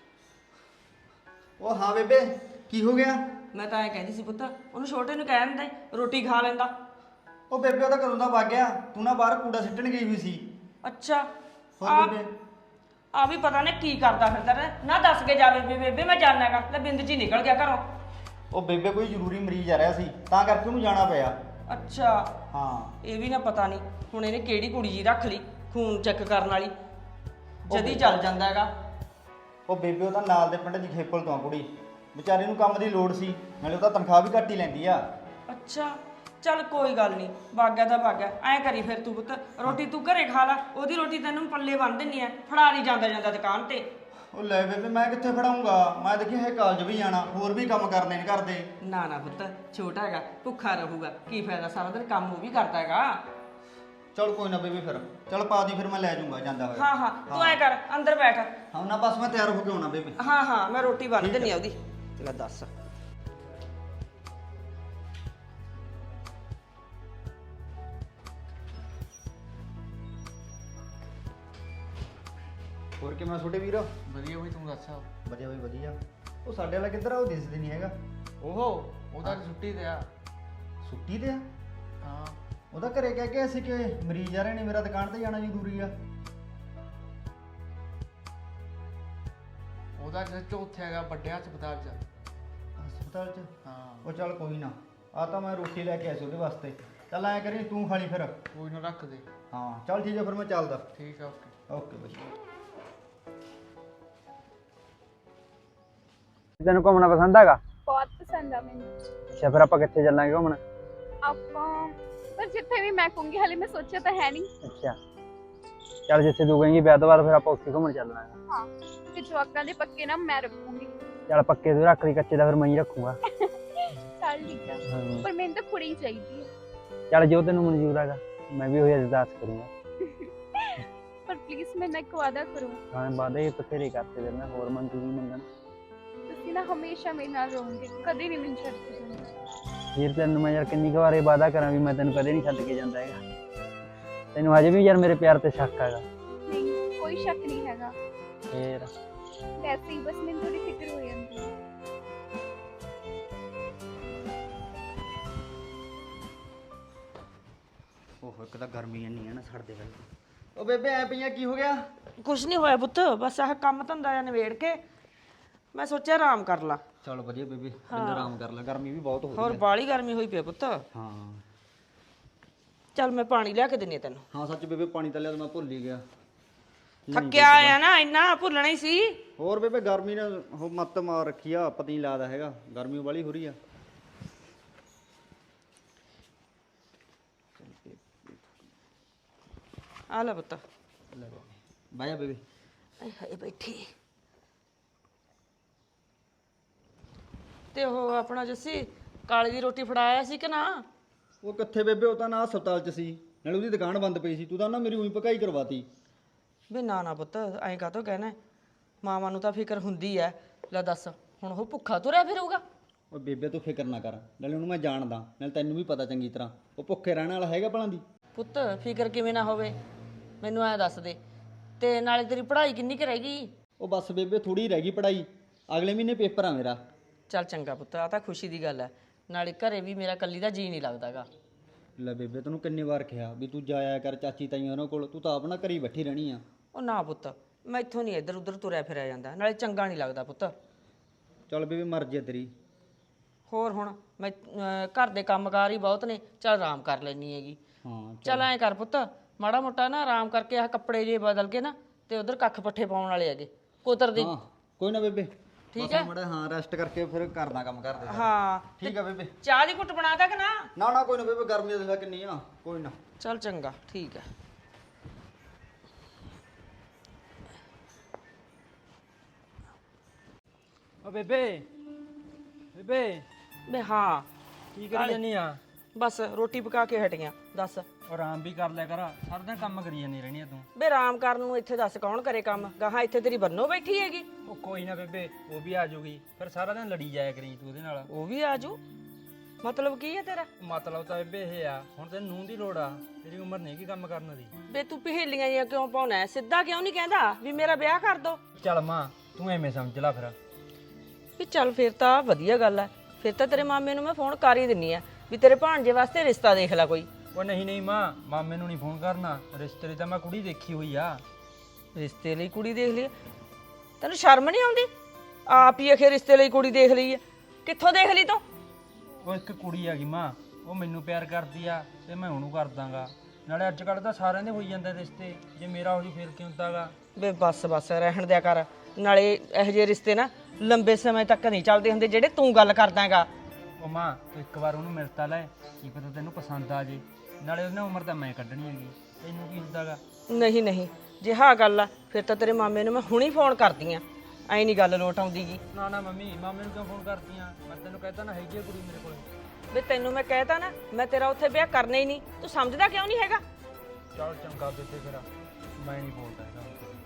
Speaker 2: ਉਹ ਹਾਂ ਬੇਬੇ ਕੀ ਹੋ ਗਿਆ?
Speaker 5: ਮੈਂ ਤਾਂ ਐ ਕਹਿੰਦੀ ਸੀ ਪੁੱਤ, ਉਹਨੂੰ ਛੋਟੇ ਨੂੰ ਕਹਿ ਦਿੰਦੇ ਰੋਟੀ ਖਾ ਲੈਂਦਾ।
Speaker 2: ਉਹ ਬੇਬੇ ਉਹਦਾ ਕਦੋਂ ਦਾ ਵਗ ਗਿਆ, ਤੂੰ ਨਾ ਬਾਹਰ ਕੂੜਾ ਸਿੱਟਣ ਗਈ ਹੋਈ ਸੀ।
Speaker 5: ਅੱਛਾ
Speaker 2: ਹੋਰ ਬੇਬੇ?
Speaker 5: ਆ ਵੀ ਪਤਾ ਨਹੀਂ ਕੀ ਕਰਦਾ ਫਿਰਦਾ ਰਿਹਾ। ਨਾ ਦੱਸ ਕੇ ਜਾਵੇ ਵੀ ਬੇਬੇ ਮੈਂ ਜਾਣਾ ਹੈਗਾ, ਲੈ ਬਿੰਦ ਜੀ ਨਿਕਲ ਗਿਆ ਘਰੋਂ।
Speaker 2: ਉਹ ਬੇਬੇ ਕੋਈ ਜ਼ਰੂਰੀ ਮਰੀਜ਼ ਆ ਰਿਹਾ ਸੀ, ਤਾਂ ਕਰਕੇ ਉਹਨੂੰ ਜਾਣਾ ਪਿਆ।
Speaker 5: ਅੱਛਾ
Speaker 2: ਹਾਂ
Speaker 5: ਇਹ ਵੀ ਨਾ ਪਤਾ ਨਹੀਂ ਹੁਣ ਇਹਨੇ ਕਿਹੜੀ ਕੁੜੀ ਜੀ ਰੱਖ ਲਈ ਖੂਨ ਚੈੱਕ ਕਰਨ ਵਾਲੀ, ਜਦੀ ਚੱਲ ਜਾਂਦਾ ਹੈਗਾ।
Speaker 2: ਉਹ ਬੇਬੇ ਉਹਦਾ ਨਾਲ ਦੇ ਪਿੰਡ ਦੀ ਖੇਪਲ ਤੋਂ ਆ ਕੁੜੀ, ਵਿਚਾਰੇ ਨੂੰ ਕੰਮ ਦੀ ਲੋੜ ਸੀ, ਨਾਲੇ ਉਹਦਾ ਤਨਖਾਹ ਵੀ ਘੱਟ ਹੀ ਲੈਂਦੀ ਆ।
Speaker 5: ਅੱਛਾ ਚੱਲ ਕੋਈ ਗੱਲ ਨਹੀਂ, ਬਾਗਿਆ ਤਾਂ ਬਾਗਿਆ। ਐਂ ਕਰੀ ਫਿਰ ਤੂੰ ਪੁੱਤ, ਰੋਟੀ ਤੂੰ ਘਰੇ ਖਾ ਲੈ, ਉਹਦੀ ਰੋਟੀ ਤੈਨੂੰ ਪੱਲੇ ਬੰਨ ਦਿੰਨੀ ਆ, ਫੜਾ ਨਹੀਂ ਜਾਂਦਾ ਜਾਂਦਾ ਦੁਕਾਨ ਤੇ।
Speaker 2: ਉਹ ਲੈ ਬੇਬੇ ਮੈਂ ਕਿੱਥੇ ਫੜਾਉਂਗਾ, ਮੈਂ ਦੇਖਿਆ ਹੈ ਕਾਲਜ ਵੀ ਜਾਣਾ, ਹੋਰ ਵੀ ਕੰਮ ਕਰਨੇ ਨੇ ਘਰ ਦੇ।
Speaker 5: ਨਾ ਨਾ ਪੁੱਤ ਛੋਟਾ ਹੈਗਾ, ਭੁੱਖਾ ਰਹੂਗਾ, ਕੀ ਫਾਇਦਾ, ਸਾਰਾ ਦਿਨ ਕੰਮ ਉਹ ਵੀ ਕਰਦਾ ਹੈਗਾ।
Speaker 2: ਚਲ ਕੋਈ ਨਾ ਬੇਬੇ, ਫਿਰ ਚਲ ਪਾ ਦੀ, ਫਿਰ ਮੈਂ ਲੈ ਜਾਊਂਗਾ ਜਾਂਦਾ ਹੋਇਆ।
Speaker 5: ਹਾਂ ਹਾਂ ਤੂੰ ਐ ਕਰ, ਅੰਦਰ ਬੈਠ।
Speaker 2: ਹਾਂ ਨਾ ਬਸ ਮੈਂ ਤਿਆਰ ਹੋ ਕੇ ਆਉਣਾ ਬੇਬੇ।
Speaker 5: ਹਾਂ ਹਾਂ ਮੈਂ ਰੋਟੀ ਬੰਨ ਦਿੰਨੀ ਆ ਉਹਦੀ। ਚਲ ਦੱਸ।
Speaker 2: ਹੋਰ ਕਿਵੇਂ ਛੋਟੇ ਵੀਰ?
Speaker 6: ਵਧੀਆ ਬਈ, ਤੂੰ ਦੱਸ।
Speaker 2: ਵਧੀਆ ਬਈ ਵਧੀਆ। ਉਹ ਸਾਡੇ ਵਾਲਾ ਕਿੱਧਰ ਆ? ਉਹ ਦਿਸਦੇ ਨਹੀਂ ਹੈਗਾ।
Speaker 6: ਉਹਦਾ ਛੁੱਟੀ ਤੇ ਆ।
Speaker 2: ਛੁੱਟੀ ਤੇ ਆ?
Speaker 6: ਹਾਂ
Speaker 2: ਉਹਦਾ ਘਰੇ ਕਹਿ ਕੇ ਅਸੀਂ ਕਿ ਮਰੀਜ਼ ਆ ਰਹੇ ਨੇ, ਮੇਰਾ ਦੁਕਾਨ ਤੇ ਜਾਣਾ ਜ਼ਰੂਰੀ ਆ।
Speaker 6: ਉਹਦਾ ਜੱਜ ਉੱਥੇ ਹੈਗਾ ਵੱਡੇ ਹਸਪਤਾਲ 'ਚ।
Speaker 2: ਹਸਪਤਾਲ 'ਚ?
Speaker 6: ਹਾਂ
Speaker 2: ਉਹ ਚੱਲ ਕੋਈ ਨਾ, ਆ ਤਾਂ ਮੈਂ ਰੋਟੀ ਲੈ ਕੇ ਆਇਆ ਸੀ ਉਹਦੇ ਵਾਸਤੇ। ਚੱਲ ਐਂ ਕਰੀ ਤੂੰ ਖਾ ਲਈ ਫਿਰ।
Speaker 6: ਕੋਈ ਨਾ ਰੱਖ ਦੇ।
Speaker 2: ਹਾਂ ਚੱਲ ਠੀਕ ਹੈ, ਫਿਰ ਮੈਂ ਚੱਲਦਾ।
Speaker 6: ਠੀਕ ਆ, ਓਕੇ।
Speaker 2: ਓਕੇ ਬਈ। ਤੈਨੂੰ ਘੁੰਮਣਾ ਪਸੰਦ ਹੈਗਾ?
Speaker 4: ਬਹੁਤ ਪਸੰਦ ਆ ਮੈਨੂੰ।
Speaker 2: ਅੱਛਾ ਫਿਰ ਆਪਾਂ ਕਿੱਥੇ ਚੱਲਾਂਗੇ ਘੁੰਮਣ?
Speaker 4: ਆਪਾਂ ਪਰ ਜਿੱਥੇ ਵੀ ਮੈਂ ਕਹੂੰਗੀ, ਹਾਲੇ ਮੈਂ ਸੋਚਿਆ ਤਾਂ ਹੈ ਨਹੀਂ।
Speaker 2: ਅੱਛਾ ਚੱਲ ਜਿੱਥੇ ਤੂੰ ਕਹੇਂਗੀ ਵਿਆਹ ਤੋਂ ਬਾਅਦ ਫਿਰ ਆਪਾਂ ਉੱਥੇ ਘੁੰਮਣ ਚੱਲਣਾ ਹੈ।
Speaker 4: ਹਾਂ ਤੇ ਜਵਾਕਾਂ ਦੇ ਪੱਕੇ ਨਾ ਮੈਂ ਰੱਖੂੰਗੀ।
Speaker 2: ਚੱਲ ਪੱਕੇ ਤੂੰ ਰੱਖ ਲਈ, ਕੱਚੇ ਦਾ ਫਿਰ ਮੈਂ ਹੀ ਰੱਖੂੰਗਾ।
Speaker 4: ਚੱਲ ਠੀਕ ਆ, ਪਰ ਮੈਨੂੰ ਤਾਂ ਕੁੜੀ ਚਾਹੀਦੀ ਹੈ।
Speaker 2: ਚੱਲ ਜੋ ਤੈਨੂੰ ਮਨਜ਼ੂਰ ਹੈਗਾ, ਮੈਂ ਵੀ ਉਹੀ ਅਰਦਾਸ ਕਰੂੰਗਾ।
Speaker 4: ਪਰ ਪਲੀਜ਼ ਮੇਰੇ ਨਾਲ ਇੱਕ ਵਾਅਦਾ ਕਰੋ।
Speaker 2: ਹਾਂ ਵਾਅਦੇ ਬਥੇਰੇ ਕਰਤੇ ਫਿਰ ਮੈਂ, ਹੋਰ ਮਨਜ਼ੂਰੀ ਮੰਗਣ।
Speaker 4: ਤੁਸੀਂ ਨਾ ਹਮੇਸ਼ਾ ਮੇਰੇ ਨਾਲ ਰਹੋਗੇ, ਕਦੇ ਨਹੀਂ ਮੈਨੂੰ ਛੱਡ ਕੇ ਜਾਣਾ।
Speaker 2: ਵੀਰ ਤੈਨੂੰ ਮੈਂ ਯਾਰ ਕਿੰਨੀ ਕੁ ਵਾਰ ਇਹ ਵਾਅਦਾ ਕਰਾਂ ਵੀ ਮੈਂ ਤੈਨੂੰ ਕਦੇ ਨਹੀਂ ਛੱਡ ਕੇ ਜਾਂਦਾ ਹੈਗਾ। ਤੈਨੂੰ ਹਜੇ ਵੀ ਯਾਰ ਮੇਰੇ ਪਿਆਰ ਤੇ ਸ਼ੱਕ ਹੈਗਾ?
Speaker 4: ਨਹੀਂ ਕੋਈ ਸ਼ੱਕ ਨਹੀਂ ਹੈਗਾ,
Speaker 2: ਫੇਰ
Speaker 4: ਵੈਸੇ ਹੀ ਬਸ ਮੈਨੂੰ ਥੋੜੀ ਫਿਕਰ ਹੋ ਜਾਂਦੀ ਹੈ।
Speaker 2: ਓਹੋ ਇੱਕ ਤਾਂ ਗਰਮੀ ਇੰਨੀ ਹੈ ਨਾ ਛੱਡਦੇ ਗੱਲ। ਉਹ ਬੇਬੇ ਐ ਪਈਆਂ ਕੀ ਹੋ ਗਿਆ?
Speaker 5: ਕੁਛ ਨਹੀਂ ਹੋਇਆ ਪੁੱਤ, ਬਸ ਆਹ ਕੰਮ ਧੰਦਾ ਜਾਂ ਨਿਬੇੜ ਕੇ ਮੈਂ ਸੋਚਿਆ ਆਰਾਮ ਕਰ ਲਾ।
Speaker 2: ਚਲ ਵਧੀਆ ਬੇਬੇ, ਬਿੰਦ ਆਰਾਮ ਕਰ ਲੈ, ਗਰਮੀ ਵੀ ਬਹੁਤ ਹੋ ਰਹੀ
Speaker 5: ਹੋਰ
Speaker 2: ਹੈ।
Speaker 5: ਬਾਲੀ ਗਰਮੀ ਹੋਈ ਪਈ ਪੁੱਤ।
Speaker 2: ਹਾਂ
Speaker 5: ਚੱਲ ਮੈਂ ਪਾਣੀ ਲਿਆ ਕੇ ਦਿੰਨੀ ਆ ਤੈਨੂੰ।
Speaker 2: ਹਾਂ ਸੱਚ ਬੇਬੇ, ਪਾਣੀ ਤਾਂ ਲਿਆ ਤਾਂ ਮੈਂ ਭੁੱਲ ਹੀ ਗਿਆ।
Speaker 5: ਥੱਕਿਆ ਆਇਆ ਨਾ ਇੰਨਾ ਭੁੱਲਣਾ ਹੀ ਸੀ।
Speaker 7: ਹੋਰ ਬੇਬੇ ਗਰਮੀ ਨੇ ਉਹ ਮੱਤ ਮਾਰ ਰੱਖੀ ਆ, ਪਤਾ ਨਹੀਂ ਲੱਗਦਾ ਹੈਗਾ, ਗਰਮੀ ਵਾਲੀ ਹੋ ਰਹੀ ਆ।
Speaker 5: ਆ ਲੈ ਪੁੱਤ।
Speaker 7: ਬਹਿ ਜਾ ਬੇਬੇ।
Speaker 5: ਆਏ ਹਾਏ ਬੈਠੀ। ਤੇ ਉਹ ਆਪਣਾ ਜੱਸੀ ਕਾਲੀ ਦੀ ਰੋਟੀ ਫੜਾਇਆ ਸੀ ਕਿ ਨਾ?
Speaker 7: ਉਹ ਕਿੱਥੇ ਬੇਬੇ, ਉਹ ਤਾਂ ਨਾ ਹਸਪਤਾਲ 'ਚ ਸੀ, ਨਾਲੇ ਉਹਦੀ ਦੁਕਾਨ ਬੰਦ ਪਈ ਸੀ। ਤੂੰ ਤਾਂ ਨਾ ਮੇਰੀ ਉਹੀ ਪਕਾਈ ਕਰਵਾਤੀ।
Speaker 5: ਵੇ ਨਾ ਨਾ ਪੁੱਤ, ਐਂ ਕਾਹਤੋਂ ਕਹਿਣਾ? ਮਾਵਾਂ ਨੂੰ ਤਾਂ ਫਿਕਰ ਹੁੰਦੀ ਐ। ਲੈ ਦੱਸ, ਹੁਣ ਉਹ ਭੁੱਖਾ ਤੁਰਿਆ ਫਿਰੂਗਾ?
Speaker 7: ਉਹ ਬੇਬੇ ਤੂੰ ਫਿਕਰ ਨਾ ਕਰ, ਨਾਲੇ ਉਹਨੂੰ ਮੈਂ ਜਾਣਦਾ, ਨਾਲੇ ਤੈਨੂੰ ਵੀ ਪਤਾ ਚੰਗੀ ਤਰ੍ਹਾਂ ਉਹ ਭੁੱਖੇ ਰਹਿਣ ਵਾਲਾ ਹੈਗਾ ਭਲਾਂ ਦੀ।
Speaker 5: ਪੁੱਤ ਫਿਕਰ ਕਿਵੇਂ ਨਾ ਹੋਵੇ, ਮੈਨੂੰ ਐਂ ਦੱਸ ਦੇ। ਤੇ ਨਾਲੇ ਤੇਰੀ ਪੜ੍ਹਾਈ ਕਿੰਨੀ ਕੁ ਰਹਿ ਗਈ?
Speaker 7: ਉਹ ਬਸ ਬੇਬੇ ਥੋੜੀ ਰਹਿ ਗਈ ਪੜਾਈ, ਅਗਲੇ ਮਹੀਨੇ ਪੇਪਰ ਆ ਮੇਰਾ।
Speaker 5: ਚੱਲ ਚੰਗਾ ਪੁੱਤ, ਆ ਤਾਂ ਖੁਸ਼ੀ ਦੀ ਗੱਲ ਐ। ਨਾਲੇ ਘਰੇ ਵੀ ਮੇਰਾ ਕੱਲੀ ਦਾ ਜੀ ਨਹੀਂ ਲੱਗਦਾਗਾ।
Speaker 7: ਲੈ ਬੇਬੇ ਤੈਨੂੰ ਕਿੰਨੀ ਵਾਰ ਕਿਹਾ ਵੀ ਤੂੰ ਜਾਇਆ ਕਰ ਚਾਚੀ ਤਾਈਆਂ ਉਹਨਾਂ ਕੋਲ, ਤੂੰ ਤਾਂ ਆਪਣਾ ਘਰੀ ਬੈਠੀ ਰਹਿਣੀ ਆ।
Speaker 5: ਉਹ ਨਾ ਪੁੱਤ, ਮੈਥੋਂ ਨਹੀਂ ਇੱਧਰ ਉੱਧਰ ਤੁਰਿਆ ਫਿਰਿਆ ਜਾਂਦਾ, ਨਾਲੇ ਚੰਗਾ ਨਹੀਂ ਲੱਗਦਾ ਪੁੱਤ।
Speaker 7: ਚੱਲ ਬੇਬੇ ਮਰਜ਼ੀ ਆ ਤੇਰੀ।
Speaker 5: ਹੋਰ ਹੁਣ ਮੈਂ ਘਰ ਦੇ ਕੰਮਕਾਰ ਹੀ ਬਹੁਤ ਨੇ, ਚੱਲ ਆਰਾਮ ਕਰ ਲੈਣੀ ਹੈਗੀ।
Speaker 7: ਹਾਂ
Speaker 5: ਚੱਲ ਐਂ ਕਰ ਪੁੱਤ, ਮਾੜਾ ਮੋਟਾ ਨਾ ਆਰਾਮ ਕਰਕੇ ਆਹ ਕੱਪੜੇ ਜੇ ਬਦਲ ਕੇ ਨਾ ਤੇ ਉਧਰ ਕੱਖ ਪੱਠੇ ਪਾਉਣ ਵਾਲੇ ਹੈਗੇ, ਕੁਤਰ ਦੇ।
Speaker 7: ਹਾਂ ਕੋਈ ਨਾ ਬੇਬੇ,
Speaker 5: ਠੀਕ ਹੈ?
Speaker 7: ਮੜਾ ਹਾਂ ਰੈਸਟ ਕਰਕੇ ਫਿਰ ਕਰਦਾ ਕੰਮ ਕਰਦੇ।
Speaker 5: ਹਾਂ
Speaker 7: ਠੀਕ ਆ ਬੇਬੇ।
Speaker 5: ਚਾਹ ਦੀ ਘੁੱਟ ਬਣਾਦਾ ਕਿ ਨਾ?
Speaker 7: ਨਾ ਨਾ ਕੋਈ ਨਾ ਬੇਬੇ, ਗਰਮੀ ਦੇ ਕਿੰਨੀ ਆ, ਕੋਈ ਨਾ।
Speaker 5: ਚੱਲ ਚੰਗਾ, ਠੀਕ ਹੈ।
Speaker 2: ਓ ਬੇਬੇ ਬੇਬੇ
Speaker 5: ਬੇ ਹਾਂ,
Speaker 2: ਕੀ ਕਰੀ ਜਾਨੀ ਆ?
Speaker 5: ਬਸ ਰੋਟੀ ਪਕਾ ਕੇ ਹਟੀਆਂ। ਦੱਸ
Speaker 2: ਉਹ ਆਰਾਮ ਵੀ ਕਰ ਲਿਆ ਕਰ, ਸਾਰਾ ਦਿਨ ਕੰਮ ਕਰੀ ਜਾਨੀ ਰਹਿਣੀ ਆ ਤੂੰ।
Speaker 5: ਬੇ ਆਰਾਮ ਕਰਨ ਨੂੰ ਇੱਥੇ ਦੱਸ ਕੌਣ ਕਰੇ ਕੰਮ? ਗਾਹਾਂ ਇੱਥੇ ਤੇਰੀ ਬੰਨੋ ਬੈਠੀ ਹੈਗੀ।
Speaker 2: ਉਹ ਕੋਈ ਨਾ ਬੇਬੇ, ਉਹ ਵੀ ਆ ਜਾਊਗੀ, ਫਿਰ ਸਾਰਾ ਦਿਨ ਲੜੀ ਜਾਇਆ ਕਰੀ ਤੂੰ ਉਹਦੇ ਨਾਲ।
Speaker 5: ਉਹ ਵੀ ਆਜੂ? ਮਤਲਬ ਕੀ ਹੈ ਤੇਰਾ?
Speaker 2: ਮਤਲਬ ਤਾਂ ਬੇਬੇ ਇਹ ਆ, ਹੁਣ ਤੈਨੂੰ ਨੂੰਹ ਦੀ ਲੋੜ ਆ, ਤੇਰੀ ਉਮਰ ਨਹੀਂ ਕੀ ਕੰਮ ਕਰਨ ਦੀ।
Speaker 5: ਬੇ ਤੂੰ ਪਹੇਲੀਆਂ ਜਿਹੀਆਂ ਕਿਉਂ ਪਾਉਣਾ ਹੈ? ਸਿੱਧਾ ਕਿਉਂ ਨਹੀਂ ਕਹਿੰਦਾ ਵੀ ਮੇਰਾ ਵਿਆਹ ਕਰ ਦੋ?
Speaker 2: ਚੱਲ ਮਾਂ ਤੂੰ ਐਵੇਂ ਸਮਝ ਲੈ ਫਿਰ।
Speaker 5: ਵੀ ਚੱਲ ਫਿਰ ਤਾਂ ਵਧੀਆ ਗੱਲ ਹੈ। ਫਿਰ ਤਾਂ ਤੇਰੇ ਮਾਮੇ ਨੂੰ ਮੈਂ ਫੋਨ ਕਰ ਹੀ ਦਿੰਨੀ ਆ ਵੀ ਤੇਰੇ ਭਾਣਜੇ ਵਾਸਤੇ ਰਿਸ਼ਤਾ ਦੇਖ ਲੈ ਕੋਈ।
Speaker 2: ਉਹ ਨਹੀਂ ਨਹੀਂ ਮਾਂ, ਮਾਮੇ ਨੂੰ ਨਹੀਂ ਫੋਨ ਕਰਨਾ, ਰਿਸ਼ਤੇ ਲਈ ਤਾਂ ਮੈਂ ਕੁੜੀ ਦੇਖੀ ਹੋਈ ਆ।
Speaker 5: ਰਿਸ਼ਤੇ ਲਈ ਕੁੜੀ ਦੇਖ ਲਈ? ਤੈਨੂੰ ਸ਼ਰਮ ਨਹੀਂ ਆਉਂਦੀ? ਆਪ ਹੀ ਅਖੇ ਰਿਸ਼ਤੇ ਲਈ ਕੁੜੀ ਦੇਖ ਲਈ ਹੈ। ਕਿੱਥੋਂ ਦੇਖ ਲਈ ਤੂੰ?
Speaker 2: ਉਹ ਇੱਕ ਕੁੜੀ ਹੈਗੀ ਮਾਂ, ਉਹ ਮੈਨੂੰ ਪਿਆਰ ਕਰਦੀ ਆ ਤੇ ਮੈਂ ਉਹਨੂੰ ਕਰ ਦਾਂਗਾ। ਨਾਲੇ ਅੱਜ ਕੱਲ੍ਹ ਤਾਂ ਸਾਰਿਆਂ ਦੇ ਹੋਈ ਜਾਂਦੇ ਰਿਸ਼ਤੇ, ਜੇ ਮੇਰਾ ਹੋ ਜੂ ਫਿਰ ਕੀ ਹੁੰਦਾਗਾ।
Speaker 5: ਬੇ ਬਸ ਬਸ ਰਹਿਣ ਦਿਆ ਕਰ। ਨਾਲੇ ਇਹੋ ਜਿਹੇ ਰਿਸ਼ਤੇ ਨਾ ਲੰਬੇ ਸਮੇਂ ਤੱਕ ਨਹੀਂ ਚੱਲਦੇ ਹੁੰਦੇ ਜਿਹੜੇ ਤੂੰ ਗੱਲ ਕਰਦਾ ਹੈਗਾ।
Speaker 2: ਉਹ ਮਾਂ ਤੂੰ ਇੱਕ ਵਾਰ ਉਹਨੂੰ ਮਿਲ ਤਾਂ ਲੈ, ਕੀ ਪਤਾ ਤੈਨੂੰ ਪਸੰਦ ਆ ਜੇ। ਨਾਲੇ ਉਹਨੇ ਉਮਰ ਤਾਂ ਮੈਂ ਕੱਢਣੀ ਹੈਗੀ, ਤੈਨੂੰ ਕੀ ਹੁੰਦਾਗਾ।
Speaker 5: ਨਹੀਂ ਨਹੀਂ, ਜੇ ਹਾਂ ਗੱਲ ਆ ਫਿਰ ਤਾਂ ਤੇਰੇ ਮਾਮੇ ਨੂੰ ਮੈਂ ਹੁਣੀ ਫੋਨ ਕਰਦੀ ਆ। ਐਂ ਨਹੀਂ ਗੱਲ ਲੋਟ ਆਉਂਦੀ ਗੀ।
Speaker 2: ਨਾ ਨਾ ਮੰਮੀ, ਮਾਮੇ ਨੂੰ ਕਿਉਂ ਫੋਨ ਕਰਦੀ ਆ? ਮੈਂ ਤੈਨੂੰ ਕਹਿਤਾ ਨਾ ਹੈਗੀ ਆ ਕੁੜੀ ਮੇਰੇ ਕੋਲ।
Speaker 5: ਵੇ ਤੈਨੂੰ ਮੈਂ ਕਹਿਤਾ ਨਾ, ਮੈਂ ਤੇਰਾ ਉੱਥੇ ਵਿਆਹ ਕਰਨਾ ਹੀ ਨਹੀਂ। ਤੂੰ ਸਮਝਦਾ ਕਿਉਂ ਨਹੀਂ ਹੈਗਾ?
Speaker 2: ਚੱਲ ਚੰਗਾ ਬੇਬੇ, ਫਿਰ ਮੈਂ ਨਹੀਂ ਬੋਲਦਾ ਹੈਗਾ।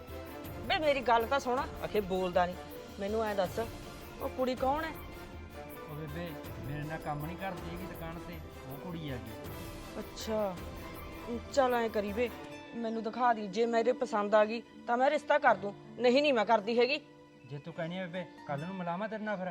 Speaker 5: ਵੇ ਮੇਰੀ ਗੱਲ ਤਾਂ ਸੁਣ। ਅਖੇ ਬੋਲਦਾ ਨਹੀਂ। ਮੈਨੂੰ ਐਂ ਦੱਸ, ਉਹ ਕੁੜੀ ਕੌਣ ਹੈ?
Speaker 2: ਉਹ ਬੇਬੇ ਮੇਰੇ ਨਾਲ ਕੰਮ ਨਹੀਂ ਕਰਦੀ ਹੈਗੀ ਦੁਕਾਨ ਤੇ, ਉਹ ਕੁੜੀ ਹੈਗੀ।
Speaker 5: ਅੱਛਾ ਚੱਲ ਐਂ ਕਰੀ ਵੇ, ਮੈਨੂੰ ਦਿਖਾ ਦੀ। ਜੇ ਮੇਰੇ ਪਸੰਦ ਆ ਗਈ ਤਾਂ ਮੈਂ ਰਿਸ਼ਤਾ ਕਰ ਦੂੰ, ਨਹੀਂ ਨਹੀਂ ਮੈਂ ਕਰਦੀ ਹੈਗੀ।
Speaker 2: ਜੇ ਤੂੰ ਕਹਿਣੀ ਹੈ ਬੇਬੇ ਕੱਲ ਨੂੰ ਮਿਲਾਵਾਂ ਤੇਰੇ ਨਾਲ ਫਿਰ।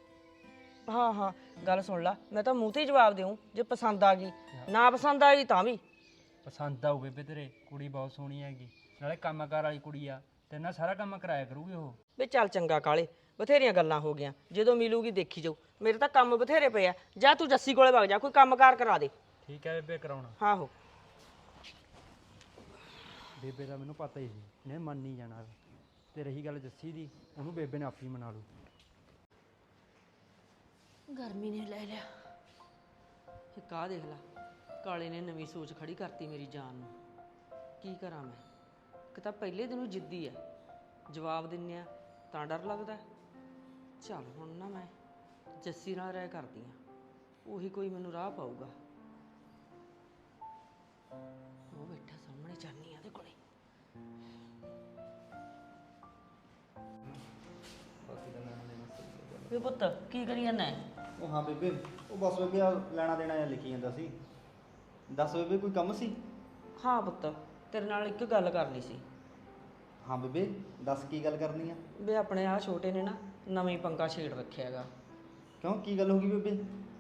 Speaker 5: ਹਾਂ ਹਾਂ ਗੱਲ ਸੁਣ ਲਾ, ਮੈਂ ਤਾਂ ਮੂੰਹ ਤੇ ਹੀ ਜਵਾਬ ਦੇਉਂ ਜੇ ਪਸੰਦ ਆ ਗਈ। ਨਾ ਪਸੰਦ ਆ ਗਈ ਤਾਂ ਵੀ।
Speaker 2: ਪਸੰਦ ਆਊ ਬੇਬੇ ਤੇਰੇ, ਕੁੜੀ ਬਹੁਤ ਸੋਹਣੀ ਹੈਗੀ, ਨਾਲੇ ਕੰਮਕਾਰ ਵਾਲੀ ਕੁੜੀ ਆ, ਤੇਰੇ ਨਾਲ ਸਾਰਾ ਕੰਮ ਕਰਾਇਆ ਕਰੂਗੀ ਉਹ।
Speaker 5: ਵੇ ਚੱਲ ਚੰਗਾ ਕਾਲੇ, ਬਥੇਰੀਆਂ ਗੱਲਾਂ ਹੋ ਗਈਆਂ, ਜਦੋਂ ਮਿਲੂਗੀ ਦੇਖੀ ਜਾਊ। ਮੇਰੇ ਤਾਂ ਕੰਮ ਬਥੇਰੇ ਪਏ ਆ। ਜਾ ਤੂੰ ਜੱਸੀ ਕੋਲੇ ਵਗ ਜਾ, ਕੋਈ ਕੰਮਕਾਰ ਕਰਾ ਦੇ।
Speaker 2: ਠੀਕ ਹੈ ਬੇਬੇ, ਕਰਾਉਣਾ।
Speaker 5: ਆਹੋ
Speaker 2: ਬੇਬੇ ਦਾ ਮੈਨੂੰ ਪਤਾ ਹੀ ਸੀ, ਇਹਨੇ ਮੰਨ ਨਹੀਂ ਜਾਣਾ। ਤੇ ਰਹੀ ਗੱਲ ਜੱਸੀ ਦੀ, ਉਹਨੂੰ ਬੇਬੇ ਨੇ ਆਪੀ ਮਨਾ ਲੂ।
Speaker 5: ਗਰਮੀ ਨੇ ਲੈ ਲਿਆ। ਇੱਕ ਆਹ ਦੇਖ ਲਾ, ਕਾਲੇ ਨੇ ਨਵੀਂ ਸੋਚ ਖੜੀ ਕਰਤੀ ਮੇਰੀ ਜਾਨ ਨੂੰ। ਕੀ ਕਰਾਂ ਮੈਂ? ਇੱਕ ਤਾਂ ਪਹਿਲੇ ਦਿਨੋਂ ਜਿੱਦੀ ਐ, ਜਵਾਬ ਦਿੰਨੇ ਆ ਤਾਂ ਡਰ ਲੱਗਦਾ। ਚੱਲ ਹੁਣ ਨਾ ਮੈਂ ਜੱਸੀ ਨਾਲ ਰਾਏ ਕਰਦੀ ਆ, ਉਹੀ ਕੋਈ ਮੈਨੂੰ ਰਾਹ ਪਾਊਗਾ। ਉਹ ਬੈਠਾ ਸਾਹਮਣੇ, ਜਾਨੀ ਆ ਉਹਦੇ ਕੋਲੇ। ਵੇ ਪੁੱਤ ਕੀ ਕਰੀ ਜਾਂਦਾ?
Speaker 7: ਉਹ ਹਾਂ ਬੇਬੇ, ਉਹ ਬਸ ਬੇਬੇ ਆ ਲੈਣਾ ਦੇਣਾ ਜਾਂ ਲਿਖੀ ਜਾਂਦਾ ਸੀ। ਦੱਸ ਬੇਬੇ ਕੋਈ ਕੰਮ ਸੀ?
Speaker 5: ਹਾਂ ਪੁੱਤ, ਤੇਰੇ ਨਾਲ ਇੱਕ ਗੱਲ ਕਰਨੀ ਸੀ।
Speaker 7: ਹਾਂ ਬੇਬੇ ਦੱਸ ਕੀ ਗੱਲ ਕਰਨੀ ਆ?
Speaker 5: ਵੇ ਆਪਣੇ ਆ ਛੋਟੇ ਨੇ ਨਾ ਨਵੀਂ ਪੰਗਾ ਛੇੜ ਰੱਖਿਆ ਹੈਗਾ।
Speaker 7: ਕਿਉਂ ਕੀ ਗੱਲ ਹੋ ਗਈ ਬੇਬੇ?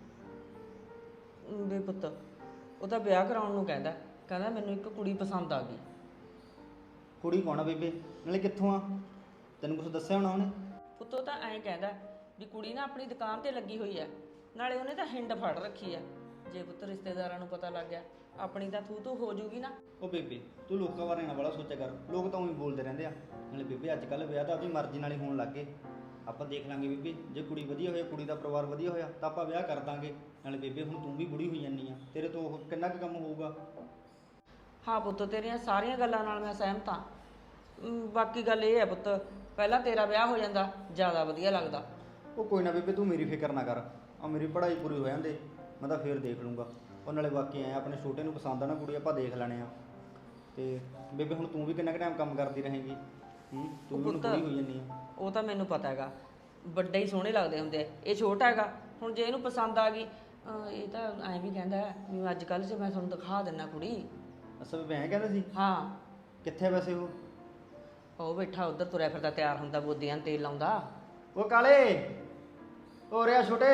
Speaker 5: ਵੇ ਪੁੱਤ ਉਹਦਾ ਵਿਆਹ ਕਰਾਉਣ ਨੂੰ ਕਹਿੰਦਾ ਮੈਨੂੰ ਇੱਕ ਕੁੜੀ ਪਸੰਦ ਆ ਗਈ।
Speaker 7: ਕੁੜੀ ਕੌਣ ਆ ਬੇਬੇ, ਨਾਲੇ ਕਿੱਥੋਂ ਆ? ਤੈਨੂੰ ਕੁਝ ਦੱਸਿਆ ਹੋਣਾ ਉਹਨੇ?
Speaker 5: ਪੁੱਤ ਉਹ ਤਾਂ ਐਂ ਕਹਿੰਦਾ ਵੀ ਕੁੜੀ ਨਾ ਆਪਣੀ ਦੁਕਾਨ ਤੇ ਲੱਗੀ ਹੋਈ ਐ, ਨਾਲੇ ਉਹਨੇ ਤਾਂ ਹਿੰਡ ਫੜ ਰੱਖੀ ਐ। ਜੇ ਪੁੱਤ ਰਿਸ਼ਤੇਦਾਰਾਂ ਨੂੰ ਪਤਾ ਲੱਗ ਗਿਆ ਆਪਣੀ ਤਾਂ ਤੂੰ ਹੋ ਜੂਗੀ ਨਾ।
Speaker 7: ਉਹ ਬੇਬੇ ਤੂੰ ਲੋਕਾਂ ਬਾਰੇ ਨਾ ਬੜਾ ਸੋਚਿਆ ਕਰ, ਲੋਕ ਤਾਂ ਉਹੀ ਬੋਲਦੇ ਰਹਿੰਦੇ ਆ। ਨਾਲੇ ਬੇਬੇ ਅੱਜ ਕੱਲ੍ਹ ਵਿਆਹ ਤਾਂ ਆਪਣੀ ਮਰਜ਼ੀ ਨਾਲ ਹੀ ਹੋਣ ਲੱਗ ਗਏ। ਆਪਾਂ ਦੇਖ ਲਾਂਗੇ ਬੇਬੇ, ਜੇ ਕੁੜੀ ਵਧੀਆ ਹੋਇਆ, ਕੁੜੀ ਦਾ ਪਰਿਵਾਰ ਵਧੀਆ ਹੋਇਆ ਤਾਂ ਆਪਾਂ ਵਿਆਹ ਕਰ ਦਾਂਗੇ। ਨਾਲੇ ਬੇਬੇ ਹੁਣ ਤੂੰ ਵੀ ਬੁੜੀ ਹੋਈ ਜਾਂਦੀ ਆ, ਤੇਰੇ ਤੋਂ ਉਹ ਕਿੰਨਾ ਕੁ ਕੰਮ ਹੋਊਗਾ।
Speaker 5: ਹਾਂ ਪੁੱਤ, ਤੇਰੀਆਂ ਸਾਰੀਆਂ ਗੱਲਾਂ ਨਾਲ ਮੈਂ ਸਹਿਮਤ ਹਾਂ। ਬਾਕੀ ਗੱਲ ਇਹ ਹੈ ਪੁੱਤ, ਪਹਿਲਾਂ ਤੇਰਾ ਵਿਆਹ ਹੋ ਜਾਂਦਾ ਜ਼ਿਆਦਾ ਵਧੀਆ ਲੱਗਦਾ।
Speaker 7: ਉਹ ਕੋਈ ਨਾ ਬੇਬੇ, ਤੂੰ ਮੇਰੀ ਫਿਕਰ ਨਾ ਕਰ, ਆ ਮੇਰੀ ਪੜ੍ਹਾਈ ਪੂਰੀ ਹੋ ਜਾਂਦੇ ਮੈਂ ਤਾਂ ਫੇਰ ਦੇਖ ਲੂੰਗਾ। ਉਹ ਨਾਲੇ ਬਾਕੀ ਐ ਆਪਣੇ ਛੋਟੇ ਨੂੰ ਪਸੰਦ ਆ ਨਾ ਕੁੜੀ, ਆਪਾਂ ਦੇਖ ਲੈਣੇ ਆ। ਤੇ ਬੇਬੇ ਹੁਣ ਤੂੰ ਵੀ ਕਿੰਨਾ ਕੁ ਟਾਈਮ ਕੰਮ ਕਰਦੀ ਰਹੇਂਗੀ? ਤੂੰ ਵੀ ਹੁਣ ਬੁੜੀ ਹੋਈ ਜਾਂਦੀ ਆ।
Speaker 5: ਉਹ ਤਾਂ ਮੈਨੂੰ ਪਤਾ ਹੈਗਾ, ਵੱਡੇ ਹੀ ਸੋਹਣੇ ਲੱਗਦੇ ਹੁੰਦੇ ਆ, ਇਹ ਛੋਟਾ ਹੈਗਾ। ਹੁਣ ਜੇ ਇਹਨੂੰ ਪਸੰਦ ਆ ਗਈ, ਇਹ ਤਾਂ ਐਂ ਵੀ ਕਹਿੰਦਾ ਵੀ ਅੱਜ ਕੱਲ੍ਹ 'ਚ ਮੈਂ ਤੁਹਾਨੂੰ ਦਿਖਾ ਦਿੰਦਾ ਕੁੜੀ।
Speaker 7: ਅੱਛਾ ਬੇਬੇ ਐਂ ਕਹਿੰਦਾ ਸੀ?
Speaker 5: ਹਾਂ।
Speaker 7: ਕਿੱਥੇ ਵੈਸੇ
Speaker 5: ਉਹ ਬੈਠਾ ਉੱਧਰ ਤੁਰਿਆ ਫਿਰਦਾ, ਤਿਆਰ ਹੁੰਦਾ, ਬੋਦੀਆਂ ਨੂੰ ਤੇਲ ਲਾਉਂਦਾ।
Speaker 7: ਉਹ ਕਾਲੇ, ਹੋ ਰਿਹਾ ਛੋਟੇ?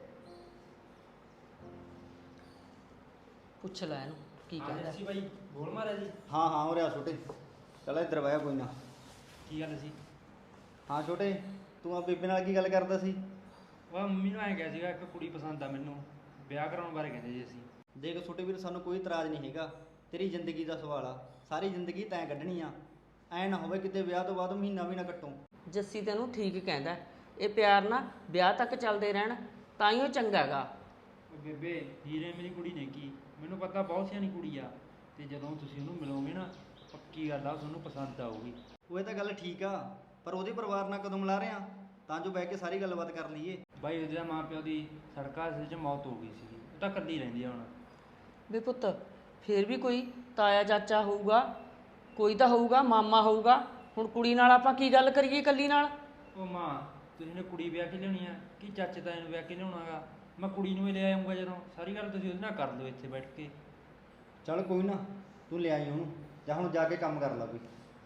Speaker 5: ਪੁੱਛ ਲੈ ਇਹਨੂੰ ਕੀ ਕਹਿੰਦਾ।
Speaker 2: ਸੀ ਬਾਈ ਬੋਲ ਮਾਰਿਆ ਜੀ।
Speaker 7: ਹਾਂ ਹੋ ਰਿਹਾ ਛੋਟੇ, ਚੱਲ ਇੱਧਰ ਵਾਇਆ ਕੋਈ ਨਾ।
Speaker 2: ਕੀ ਗੱਲ ਸੀ?
Speaker 7: ਹਾਂ ਛੋਟੇ, ਤੂੰ ਆ ਬੇਬੇ ਨਾਲ ਕੀ ਗੱਲ ਕਰਦਾ ਸੀ?
Speaker 2: ਉਹ ਮੰਮੀ ਨੂੰ ਐਂ ਕਿਹਾ ਸੀਗਾ ਇੱਕ ਕੁੜੀ ਪਸੰਦ ਆ ਮੈਨੂੰ, ਵਿਆਹ ਕਰਾਉਣ ਬਾਰੇ ਕਹਿੰਦੇ ਜੀ ਅਸੀਂ।
Speaker 7: ਦੇਖ ਛੋਟੇ ਵੀਰ, ਸਾਨੂੰ ਕੋਈ ਇਤਰਾਜ਼ ਨਹੀਂ ਹੈਗਾ, ਤੇਰੀ ਜ਼ਿੰਦਗੀ ਦਾ ਸਵਾਲ ਆ, ਸਾਰੀ ਜ਼ਿੰਦਗੀ ਤੈਂ ਕੱਢਣੀ ਆ। ਐ ਨਾ ਹੋਵੇ ਕਿਤੇ ਵਿਆਹ ਤੋਂ ਬਾਅਦ ਮਹੀਨਾ ਵੀ ਨਾ ਕੱਟੋ।
Speaker 5: ਜੱਸੀ ਤੈਨੂੰ ਠੀਕ ਕਹਿੰਦਾ, ਇਹ ਪਿਆਰ ਨਾ ਵਿਆਹ ਤੱਕ ਚੱਲਦੇ ਰਹਿਣ ਤਾਂ ਹੀ ਉਹ ਚੰਗਾ ਹੈਗਾ।
Speaker 2: ਉਹ ਬੇਬੇ ਹੀਰੇ ਮੇਰੀ ਕੁੜੀ ਨੇ ਕੀ, ਮੈਨੂੰ ਪਤਾ ਬਹੁਤ ਸਿਆਣੀ ਕੁੜੀ ਆ, ਤੇ ਜਦੋਂ ਤੁਸੀਂ ਉਹਨੂੰ ਮਿਲੋਗੇ ਨਾ ਪੱਕੀ ਗੱਲ ਆ ਤੁਹਾਨੂੰ ਪਸੰਦ ਆਊਗੀ।
Speaker 7: ਉਹ ਇਹ ਤਾਂ ਗੱਲ ਠੀਕ ਆ, ਪਰ ਉਹਦੇ ਪਰਿਵਾਰ ਨਾਲ ਕਦੋਂ ਮਿਲਾ ਰਿਹਾ ਤਾਂ ਜੋ ਬਹਿ ਕੇ ਸਾਰੀ ਗੱਲਬਾਤ ਕਰ ਲਈਏ।
Speaker 2: ਬਾਈ ਉਹਦੇ ਮਾਂ ਪਿਓ ਦੀ ਸੜਕ ਹਾਦਸੇ 'ਚ ਮੌਤ ਹੋ ਗਈ ਸੀਗੀ, ਉਹ ਤਾਂ ਇਕੱਲੀ ਰਹਿੰਦੀ ਆ ਹੁਣ।
Speaker 5: ਵੀ ਪੁੱਤ ਫੇਰ ਵੀ ਕੋਈ ਤਾਇਆ ਚਾਚਾ ਹੋਊਗਾ, ਕੋਈ ਤਾਂ ਹੋਊਗਾ, ਮਾਮਾ ਹੋਊਗਾ। ਹੁਣ ਕੁੜੀ ਨਾਲ ਆਪਾਂ ਕੀ ਗੱਲ ਕਰੀਏ ਇਕੱਲੀ ਨਾਲ?
Speaker 2: ਉਹ ਮਾਂ ਤੁਸੀਂ ਨੇ ਕੁੜੀ ਵਿਆਹ ਕੇ ਲਿਆਉਣੀ ਆ ਕਿ ਚਾਚੇ ਤਾਏ ਨੂੰ ਵਿਆਹ ਕੇ ਲਿਆਉਣਾਗਾ? ਮੈਂ ਕੁੜੀ ਨੂੰ ਹੀ ਲੈ ਆਉਂਗਾ, ਜਦੋਂ ਸਾਰੀ ਗੱਲ ਤੁਸੀਂ ਉਹਦੇ ਨਾਲ ਕਰ ਲਓ ਇੱਥੇ ਬੈਠ ਕੇ।
Speaker 7: ਚੱਲ ਕੋਈ ਨਾ, ਤੂੰ ਲੈ ਆਈ ਉਹਨੂੰ, ਜਾਂ ਹੁਣ ਜਾ ਕੇ ਕੰਮ ਕਰ ਲਾ ਕੋਈ।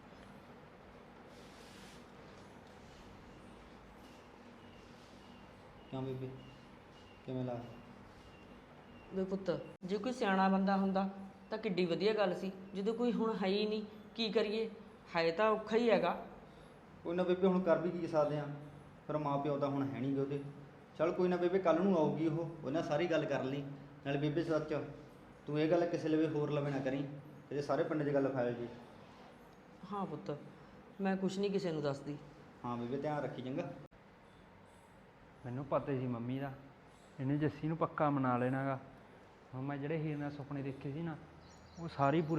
Speaker 7: ਕਿਉਂ ਬੇਬੇ, ਕਿਵੇਂ ਲੱਗਦਾ?
Speaker 5: ਵੀ ਪੁੱਤ ਜੇ ਕੋਈ ਸਿਆਣਾ ਬੰਦਾ ਹੁੰਦਾ ਤਾਂ ਕਿੱਡੀ ਵਧੀਆ ਗੱਲ ਸੀ, ਜਦੋਂ ਕੋਈ ਹੁਣ ਹੈ ਹੀ ਨਹੀਂ, ਕੀ ਕਰੀਏ? ਹੈ ਤਾਂ ਔਖਾ ਹੀ ਹੈਗਾ।
Speaker 7: ਕੋਈ ਨਾ ਬੇਬੇ, ਹੁਣ ਕਰ ਵੀ ਕੀ ਸਕਦੇ ਆ, ਪਰ ਮਾਂ ਪਿਓ ਤਾਂ ਹੁਣ ਹੈ ਨਹੀਂ ਗੇ ਉਹਦੇ। ਚੱਲ ਕੋਈ ਨਾ ਬੇਬੇ, ਕੱਲ ਨੂੰ ਆਊਗੀ ਉਹ, ਉਹਨਾਂ ਸਾਰੀ ਗੱਲ ਕਰ ਲਈ। ਨਾਲੇ ਬੇਬੇ ਸੱਚ, ਤੂੰ ਇਹ ਗੱਲ ਕਿਸੇ ਲਵੇ ਹੋਰ ਲਵੇ ਨਾ ਕਰੀ, ਇਹਦੇ ਸਾਰੇ ਪਿੰਡ 'ਚ ਗੱਲ ਫੈਲ ਜੀ।
Speaker 5: ਹਾਂ ਪੁੱਤ, ਮੈਂ ਕੁਛ ਨਹੀਂ ਕਿਸੇ ਨੂੰ ਦੱਸਦੀ।
Speaker 7: ਹਾਂ ਬੇਬੇ, ਧਿਆਨ ਰੱਖੀ ਚੰਗਾ।
Speaker 2: ਮੈਨੂੰ ਪਤਾ ਸੀ ਮੰਮੀ ਦਾ, ਇਹਨੇ ਜੱਸੀ ਨੂੰ ਪੱਕਾ ਮਨਾ ਲੈਣਾਗਾ। ਹੁਣ ਮੈਂ ਜਿਹੜੇ ਹੀਰ ਨਾਲ ਸੁਪਨੇ ਦੇਖੇ ਸੀ ਨਾ, ਉਹ ਸਾਰੇ ਪੂਰੇ